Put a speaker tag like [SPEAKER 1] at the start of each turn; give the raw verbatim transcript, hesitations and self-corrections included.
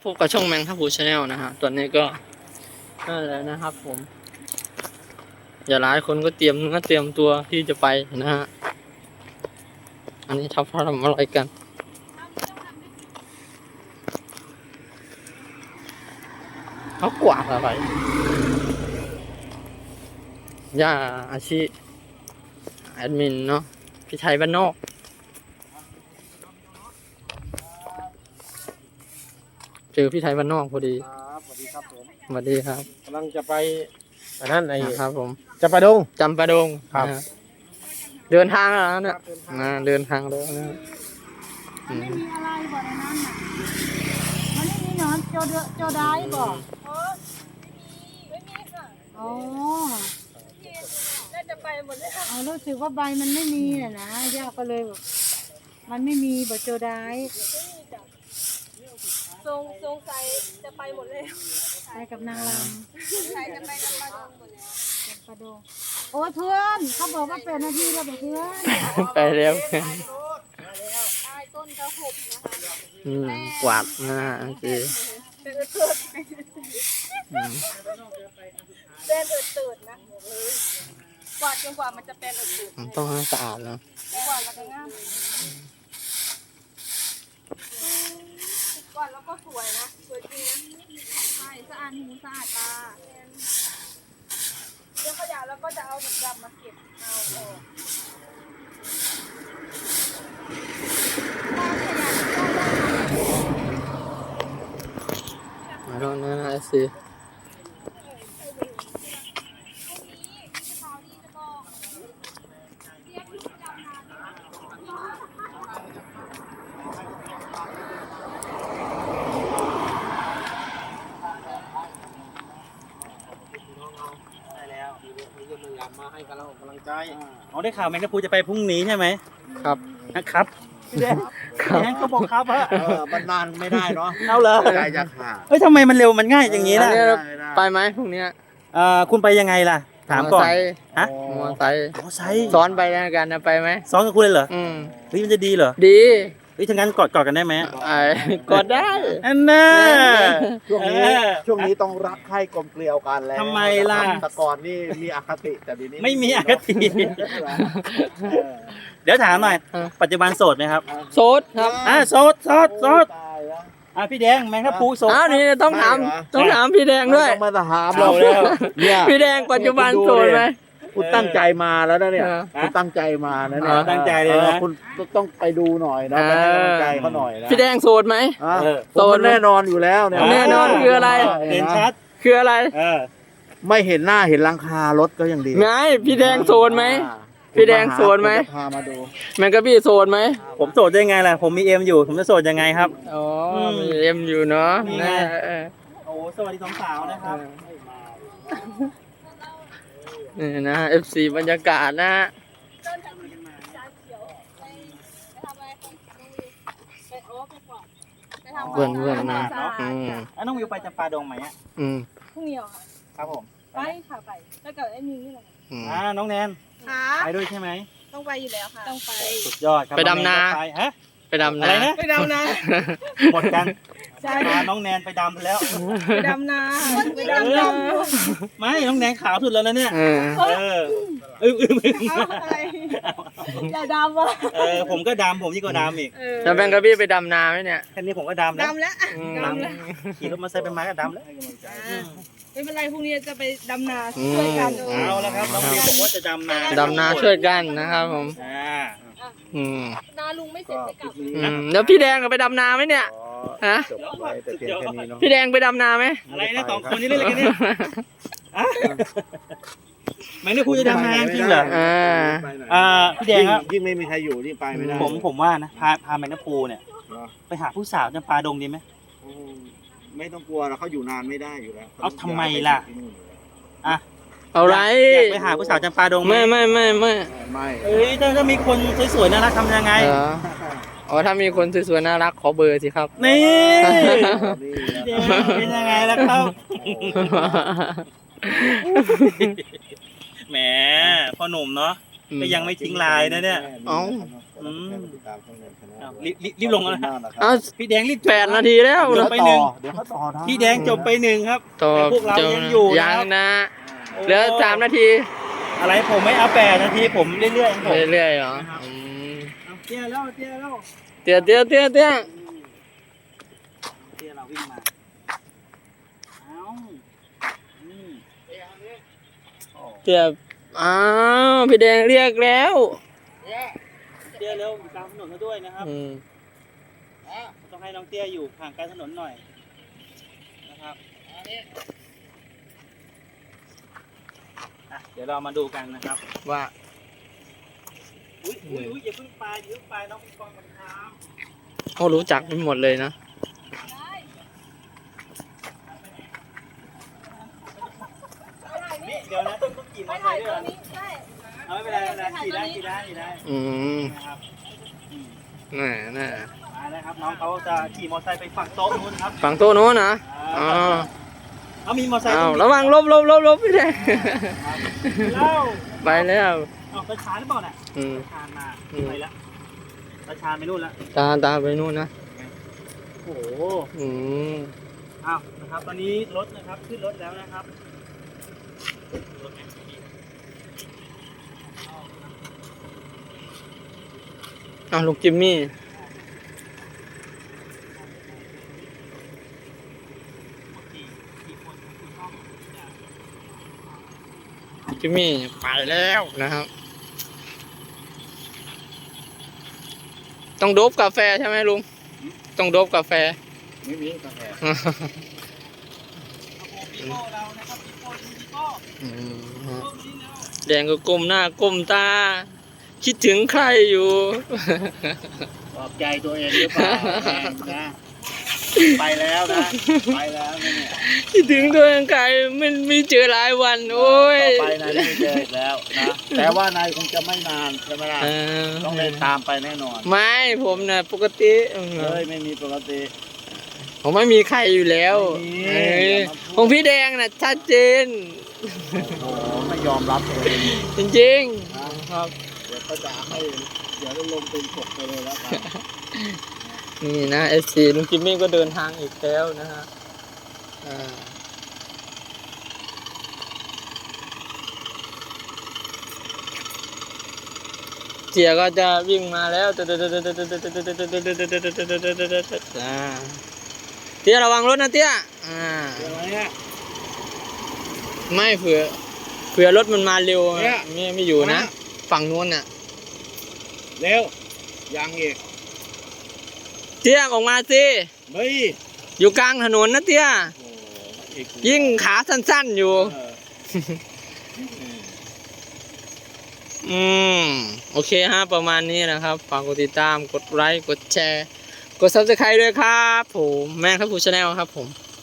[SPEAKER 1] พบกับช่องแมงทับพูชาแนลนะฮะตอนนี้ก็นั่นแหละนะครับผมอย่าหลายคนก็เตรียมเนื้อเตรียมตัวที่จะไปนะฮะอันนี้ทับทำอะไรกันเขากวาดอะไรย่าอาชีแอดมินเนาะพี่ชัยบ้านนอกเจอพี่ไทยบ้านนอกพอดี
[SPEAKER 2] ครับสวัสดีครับผม
[SPEAKER 1] สวัสดีครับ
[SPEAKER 2] กำลังจะไปอันนั้นไอ้
[SPEAKER 1] ครับผม
[SPEAKER 2] จะไปดง
[SPEAKER 1] จำปาดง
[SPEAKER 2] ครับ
[SPEAKER 1] นะเดินทางแล้วเนี่ยนะเดินทางแล้วนะอืม
[SPEAKER 3] ไม่มีอะไรบ่ในนั้นน่ะมันไม่มีหนอนโจเดโจได้บ่เออไม่มีไม่มีค่ะอ๋อน่าจะไปหมดเลยค่ะอ๋อรู้สึกว่าใบมันไม่มีน่ะนะย่าก็เลยแบบมันไม่มีบ่โจได้
[SPEAKER 4] ทรงทรงใส่จะไปหมดเลย
[SPEAKER 3] ไปกับนางรำ
[SPEAKER 4] ใส่จะไปกับปลาดงหมดแล้ว
[SPEAKER 3] กับปลาดงโอ้เพื่อนเขาบอกว่าเป็นนาทีแล้วบอกเพื่อน
[SPEAKER 1] ไปแล้ว
[SPEAKER 4] ใต้ต้นกระหุบนะคะ
[SPEAKER 1] อืมกวาดหน้าสิ
[SPEAKER 4] เป็นเอิดเติด
[SPEAKER 1] อืม
[SPEAKER 4] เป็นเอิดเติดนะกวาดจนกว่ามันจะเป็นเอิดเติด
[SPEAKER 1] มันต้องให้สะอาดนะ
[SPEAKER 4] กวาดแล้วก็งามกวาดแล้วก็สวยนะสวยจริงนะใช่สะอาดหูสะอาดตาเรื่องขยะแล้วก็จะเอาถุงดำมาเก็บเอาออก
[SPEAKER 1] มาแล้วนะสิ
[SPEAKER 2] ได้แล้วมีคนพยายามมาให้กำลังกำลังใจ
[SPEAKER 5] อ๋อได้ข่าวแมงกะพรุนจะไปพรุ่งนี้ใช่ไหม
[SPEAKER 1] ครับ
[SPEAKER 5] นะครับพี่แดง
[SPEAKER 1] ครับ
[SPEAKER 5] พี่แดงเขาบอกครับฮะ
[SPEAKER 2] เออมันนานไม่ได้เนาะ
[SPEAKER 5] เอาเลย
[SPEAKER 2] ใจจะขาด
[SPEAKER 5] เอ้ยทำไมมันเร็วมันง่ายอย่างนี้ล่ะ
[SPEAKER 1] อันนี้
[SPEAKER 2] ไม่ได้
[SPEAKER 1] ไปไหมพรุ่งนี้
[SPEAKER 5] เอ่อคุณไปยังไงล่ะ ถามก่อน
[SPEAKER 1] มอไซค์
[SPEAKER 5] ฮะ
[SPEAKER 1] มอไซค์
[SPEAKER 5] มอไซค์
[SPEAKER 1] ซ้อนไปแล้วกันนะไปไหม
[SPEAKER 5] ซ้อนกับคุณเลยเหรอ
[SPEAKER 1] อืม
[SPEAKER 5] เฮ้ยมันจะดีเหรอ
[SPEAKER 1] ดี
[SPEAKER 5] เฮ้ยถ้างั้นกอดกอดกันได้ไหม
[SPEAKER 1] ไอ้กดได้
[SPEAKER 5] อันน่า
[SPEAKER 2] ช่วงนี้
[SPEAKER 5] เออ
[SPEAKER 2] ช่วงนี้ต้องรักใคร่กลมเกลียวกันแล้ว
[SPEAKER 5] ทำไมล่ะ
[SPEAKER 2] แต่ก่อนนี่มีอคติแต่เดียวนี้
[SPEAKER 5] ไม่มีอคติ เดี๋ยวถามหน่อย
[SPEAKER 1] เออ
[SPEAKER 5] ปัจจุบันโสดไหมครับ
[SPEAKER 1] โซดครับ
[SPEAKER 5] อ่าโสดโสดโสด
[SPEAKER 2] ตายแล้ว
[SPEAKER 5] อ่ะพี่แดงแมงกะพรุนโสด
[SPEAKER 1] อ้าวนี่ต้องถาม
[SPEAKER 2] ไม่เหรอ
[SPEAKER 1] ต้องถามพี่แดงด้วย
[SPEAKER 2] ไม่ต้องมาถาม
[SPEAKER 5] เอาแล้ว
[SPEAKER 2] เนี่ย
[SPEAKER 1] พี่แดงปัจจุบันโสดไหม
[SPEAKER 2] คุณตั้งใจมาแล้วนะเนี่ย
[SPEAKER 1] เออ
[SPEAKER 2] คุณตั้งใจมานะเนี่
[SPEAKER 5] อ๋
[SPEAKER 2] ย
[SPEAKER 5] อตั้งใจเลยนะ
[SPEAKER 2] ออคุณต้องไปดูหน่อยนะไปให้กำลังใจเขาหน่อยนะ
[SPEAKER 1] พี่แดงโสดไหม
[SPEAKER 2] อ่ะ
[SPEAKER 5] เออ
[SPEAKER 2] โสดแน่นอนอยู่แล้วเนี่ย
[SPEAKER 1] แน่นอนคืออะไร
[SPEAKER 5] เด่นชัด
[SPEAKER 1] คืออะไร
[SPEAKER 5] เออ
[SPEAKER 2] ไม่เห็นหน้าเห็นหลังคารถก็ยังดี
[SPEAKER 1] ไงพี่แดงโสดไหม
[SPEAKER 2] อ่า
[SPEAKER 1] พี่แดงโสดไหม
[SPEAKER 2] ผจะพามาดู
[SPEAKER 1] แมงกะพี่โสดไหม
[SPEAKER 5] ผมโสดได้ไงล่ะ ผมมีเอ็มอยู่ ผมจะโสดยังไงครับ
[SPEAKER 1] อ๋อ
[SPEAKER 5] ม
[SPEAKER 1] มีเอ็มอยู่เนาะ
[SPEAKER 5] นี่ไง
[SPEAKER 1] นะเออ
[SPEAKER 5] โอ้สวัสดีสองสาวนะครับ
[SPEAKER 1] นี่นะ เอฟ ซี บรรยากาศนะฮะ
[SPEAKER 4] เดินทางจานเขียวไปไปทำอะไรไปโอ้ไปก่อนไปทำ
[SPEAKER 1] เพื่อนเพื่อนนะ
[SPEAKER 4] สะอาด
[SPEAKER 1] อืม
[SPEAKER 5] แล้วน้องวิวไปจำปาดงไหมอ่ะ
[SPEAKER 1] อืม
[SPEAKER 4] พรุ่งนี้เหรอคะ
[SPEAKER 5] ครับผม
[SPEAKER 4] ไปค่ะไปแล้วกับไอ้มีนี่แหละ
[SPEAKER 1] อืม
[SPEAKER 5] อ่า น้องแนน
[SPEAKER 4] ค่ะ
[SPEAKER 5] ไปด้วยใช่ไหม
[SPEAKER 4] ต้องไปอยู่แล้วค่ะต้องไป
[SPEAKER 5] สุดยอดครับ
[SPEAKER 1] ไปดำนา
[SPEAKER 5] องแก็ไปฮะ
[SPEAKER 1] ไปดำ
[SPEAKER 5] อะไร
[SPEAKER 1] นา
[SPEAKER 5] นะ
[SPEAKER 4] ไปดำนา
[SPEAKER 5] หมดกัน
[SPEAKER 4] ใช่
[SPEAKER 5] พาน้องแนนไปดำแล้ว
[SPEAKER 4] ไปดำนาไปดำนา
[SPEAKER 5] ไม่ น้องแนนขาวสุดแล้วนะเนี่ย
[SPEAKER 1] เออ
[SPEAKER 5] เอออึ้งอึ้งอึ้ง
[SPEAKER 4] เอาอะไรอย่าดำอ่ะ
[SPEAKER 5] เออ ผมก็ดำผมยิ่งกว่าดำอีก
[SPEAKER 4] เออ
[SPEAKER 1] แล้วแมงกะพี่ไปดำนาไหมเนี่ย
[SPEAKER 5] แค่นี้ผมก็ดำแล้ว
[SPEAKER 4] ดำแล้ว
[SPEAKER 1] อืม
[SPEAKER 4] ดำแล้ว
[SPEAKER 5] ขี่รถมาใส่เป็นไม้ก็ดำแล้ว
[SPEAKER 4] อ่าไม่เป็นไรพรุ่งนี้จะไปดำนา
[SPEAKER 1] อืม
[SPEAKER 4] ช่วยกัน
[SPEAKER 5] เอาแล้วครับ น้องวิวบอกว่าจะดำนา
[SPEAKER 1] ดำนาช่วยกันนะครับผม
[SPEAKER 5] อ่า
[SPEAKER 1] อืม
[SPEAKER 4] นาลุงไม่เสร็จจะกลับ
[SPEAKER 1] อืมแล้วพี่แดงก็ไปดำนาไหมเนี่ย ฮะ
[SPEAKER 2] จบไว้แต่เพียงแค่นี้เนาะ
[SPEAKER 1] พี่แดงไปดำนาไหม
[SPEAKER 5] อะไรนะสองคนนี้เล่นอะไรกันเนี่ยอะแมงกะพรุนจะดำนาจริงเหรอ
[SPEAKER 1] อ่า
[SPEAKER 5] อ่า พี่แดงครับ
[SPEAKER 2] ยิ่งไม่มีใครอยู่นี่ไปไม่ได้
[SPEAKER 5] ผมผมว่านะพาพาแมงกะพรุนเนี่ย
[SPEAKER 2] เนอะ
[SPEAKER 5] ไปหาผู้สาวจำปาดงดีไหม
[SPEAKER 2] อืมไม่ต้องกลัวแล้วเขาอยู่นานไม่ได้อยู่แล้ว
[SPEAKER 5] เอาทำไมล่ะ อ่ะ
[SPEAKER 1] เอาไร
[SPEAKER 5] อยากไปหาผู้สาวจำปาดงไหม
[SPEAKER 1] ไม่ไม่ไม่ไม่
[SPEAKER 2] ไม่
[SPEAKER 5] เอ้ยถ้าถ้ามีคนสวยๆน่ารักทำยังไง
[SPEAKER 1] เหรออ๋อถ้ามีคนสวยๆน่ารักขอเบอร์สิครับ
[SPEAKER 5] นี่
[SPEAKER 2] นี่
[SPEAKER 5] เดี๋ยวเป็นยังไงล่ะครับ แหมพ่อหนุ่มเนาะ
[SPEAKER 1] อ
[SPEAKER 5] ก็ยังไม่ทิ้งลายนะเนี่ย
[SPEAKER 1] เอ้า
[SPEAKER 5] อืม
[SPEAKER 2] ติดตามช่องเดินชาแนล
[SPEAKER 5] อ้าวรีบรีบรีบลงแล้วนะ
[SPEAKER 1] เอา
[SPEAKER 5] พี่แดงรีบ
[SPEAKER 1] แปดนาทีแล้ว
[SPEAKER 5] จ
[SPEAKER 1] นะ
[SPEAKER 5] บไปหนึ่ง
[SPEAKER 2] เดี๋ยวเขาต่อได้
[SPEAKER 5] พี่แดงจบไปหนึ่งครับ
[SPEAKER 1] ต่อ
[SPEAKER 5] แต่พวกเรา
[SPEAKER 1] จบ
[SPEAKER 5] ยังอยู่นะ
[SPEAKER 1] ยังนะ
[SPEAKER 5] โอ้
[SPEAKER 1] เหลือสามนาที
[SPEAKER 5] อะไรผมไม่เอาแปดนาทีผมเรื่อยๆของผม
[SPEAKER 1] เรื่อยๆเหรออืม
[SPEAKER 5] เอาเตี้ยแล้วเตี้ยแล้ว
[SPEAKER 1] เตี้ยเตี้ยเตี้ยเตี้ย
[SPEAKER 5] เตี้ยเราวิ่งมาเอาอืม
[SPEAKER 1] เตี้ยอ้าวพี่แดงเรียกแล้ว
[SPEAKER 5] เตี้ยเร็วอยู่กลางถนนซะด้วยนะครับ
[SPEAKER 1] อืม
[SPEAKER 5] ต้องให้น้องเตี้ยอยู่ห่างไกลถนนหน่อยนะครับอ่ะเดี๋ยวเรามาดูกันนะครับ
[SPEAKER 1] ว่า
[SPEAKER 5] อุ้ยอุ้ยอุ้ยอย่าเพิ่งไปอย่าเพิ่งไปน้องปิงปองมันท
[SPEAKER 1] โอ้รู้จักไปหมดเลยนะ
[SPEAKER 5] ำนี่เดี๋ยวนะต้องต้องขี่มอเตอร์ไซค์ด้วยเหรอ
[SPEAKER 4] ใช่
[SPEAKER 5] เอาไม่เป็นไรไม่เป็นไรขี่ได้ขี่ได้ขี่ได้
[SPEAKER 1] อืม
[SPEAKER 5] นะครับอืม
[SPEAKER 1] น่ะน่ะ
[SPEAKER 5] มาแล้วครับน้องเขาจะขี่มอเตอร์ไซค์ไปฝั่งโต๊ะนู้นครับ
[SPEAKER 1] ฝั่งโต๊ะโน้นนะอ๋อ
[SPEAKER 5] เอามีมอเตอร์ไซค์
[SPEAKER 1] อ้าว
[SPEAKER 5] ตงนี้
[SPEAKER 1] ระวังลบลบลบลบพี่แดง
[SPEAKER 5] เล่า
[SPEAKER 1] ไปแล้ว
[SPEAKER 5] เอาตาชาหรือเปล่าน่ะ
[SPEAKER 1] อืม
[SPEAKER 5] ตาชามา
[SPEAKER 1] อืม
[SPEAKER 5] ไปแล้วตาชาไปนู่นแล้ว
[SPEAKER 1] ตาตาไปนู่นนะ
[SPEAKER 5] โอ้โห
[SPEAKER 1] อืม
[SPEAKER 5] อ้าวนะครับตอนนี้รถนะครับขึ้นรถแล้วนะครับรถไหม
[SPEAKER 1] อ้าวลูกจิมมี่จิมมี่ไปแล้วนะครับ ต้องโดบกาแฟใช่ไหมลุง ต้องโดบกาแฟ
[SPEAKER 2] ไม่มีกาแฟ
[SPEAKER 5] ปีโป้เรานะครับปีโป้ดูปีโป้
[SPEAKER 1] อืมฮะ
[SPEAKER 5] โป้มานี่แล้ว
[SPEAKER 1] แดงก็ก้มหน้าก้มตา คิดถึงใครอยู่
[SPEAKER 2] ปลอบใจตัวเองหรือเปล่าแม่งนะไปแล้วนะ ไปแล้วนะเนี่ย
[SPEAKER 1] คิดถึงตัวเองใครไม่ไม่เจอหลายวัน โอ้ย
[SPEAKER 2] ต่อไปนายไม่เจออีกแล้วนะ แต่ว่านายคงจะไม่นานใช่ไหมล่ะ
[SPEAKER 1] เออ
[SPEAKER 2] ต้องเดินตามไปแน่นอน
[SPEAKER 1] ไม่ผมนะปกติเออ
[SPEAKER 2] เฮ้ยไม่มีปกติ
[SPEAKER 1] ผมไม่มีใครอยู่แล้ว
[SPEAKER 2] ไม่มี
[SPEAKER 1] เออ
[SPEAKER 2] อย่ามาพูด
[SPEAKER 1] ของพี่แดงน่ะชัดเจน
[SPEAKER 2] โอ้โหไม่ยอมรับตัวเอง
[SPEAKER 1] จริงๆครับ
[SPEAKER 2] เดี๋ยวก็จะให้เดี๋ยวจะลงเป็นศพไปเลยแล้วกัน
[SPEAKER 1] นี่นะเอสซีลุงจิมมี่ก็เดินทางอีกแล้วนะฮะอ่าเจียก็จะวิ่งมาแล้วอ่าเตี้ยระวังรถนะเตี้ยอ่า
[SPEAKER 2] เดี๋ยวเนี่ย
[SPEAKER 1] ไม่เผื่อเผื่อรถมันมาเร็ว
[SPEAKER 2] เนี่ย
[SPEAKER 1] ไม่ไม่อยู่นะ
[SPEAKER 2] นะ
[SPEAKER 1] ฝั่งนู้นน่ะ
[SPEAKER 2] เร็วยังอีก
[SPEAKER 1] เตี้ยออกมาสิ
[SPEAKER 2] เฮ้ย
[SPEAKER 1] อยู่กลางถนนนะเตี้ย
[SPEAKER 2] โอ้อีก
[SPEAKER 1] ยิ่งขาสั้นๆอยู่
[SPEAKER 2] เออ
[SPEAKER 1] อืมโอเคฮะประมาณนี้นะครับฝากกดติดตามกดไลค์กดแชร์ กด ซับสไครบ์ ด้วยครับผมแม่งครับผู้ชาแนลครับผม